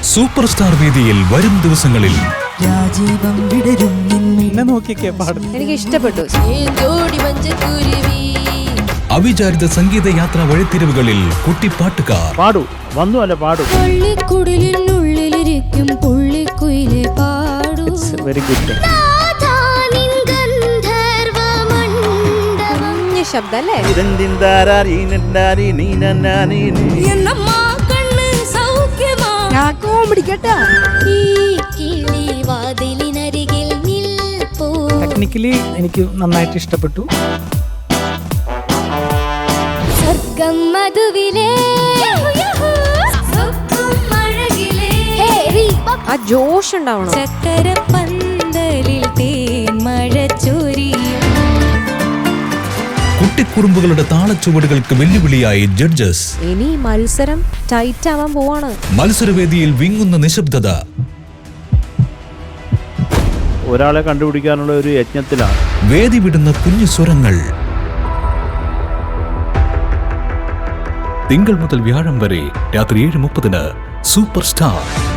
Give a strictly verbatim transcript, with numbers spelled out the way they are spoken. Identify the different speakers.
Speaker 1: Super star വേദിയിൽ വരും ദിവസങ്ങളിൽ
Speaker 2: രാജീവം വിടരും
Speaker 3: നിന്നെ നോക്കിയൊക്കെ പാടുന്നു.
Speaker 4: എനിക്ക് ഇഷ്ടപ്പെട്ടു.
Speaker 1: അവിചാരിത സംഗീത യാത്രാ വഴിത്തിരിവുകളിൽ കുട്ടിപ്പാട്ടുകാർ
Speaker 3: പാടു വന്നു അല്ല പാടു.
Speaker 4: പുള്ളിക്കുടലിനുള്ളിലിരിക്കും പുള്ളിക്കുയിലെ പാടു.
Speaker 3: Very good.
Speaker 4: ശബ്ദല്ലേ
Speaker 3: ടെക്നിക്കലി എനിക്ക് നന്നായിട്ട് ഇഷ്ടപ്പെട്ടു.
Speaker 4: സ്വർഗം മധുവിലേ ആ ജോഷ് ഉണ്ടാവണം. ചക്കര പന്തലിൽ തേൻ മഴ ചൊരിയും.
Speaker 1: കുട്ടിക്കുറുമ്പുകളുടെ താളച്ചുവടുകൾക്ക് വെല്ലുവിളിയായി ജഡ്ജസ്.
Speaker 4: ഇനി മത്സരം ടൈറ്റ് ആവാൻ പോവാണ്.
Speaker 1: മത്സരവേദിയിൽ വിങ്ങുന്ന നിശബ്ദത.
Speaker 3: ഒരാളെ കണ്ടുപിടിക്കാനുള്ള ഒരു യജ്ഞത്തിലാണ്.
Speaker 1: വേദി വിടുന്ന കുഞ്ഞു സ്വരങ്ങൾ. തിങ്കൾ മുതൽ വ്യാഴം വരെ രാത്രി ഏഴ് മുപ്പതിന് സൂപ്പർ സ്റ്റാർ.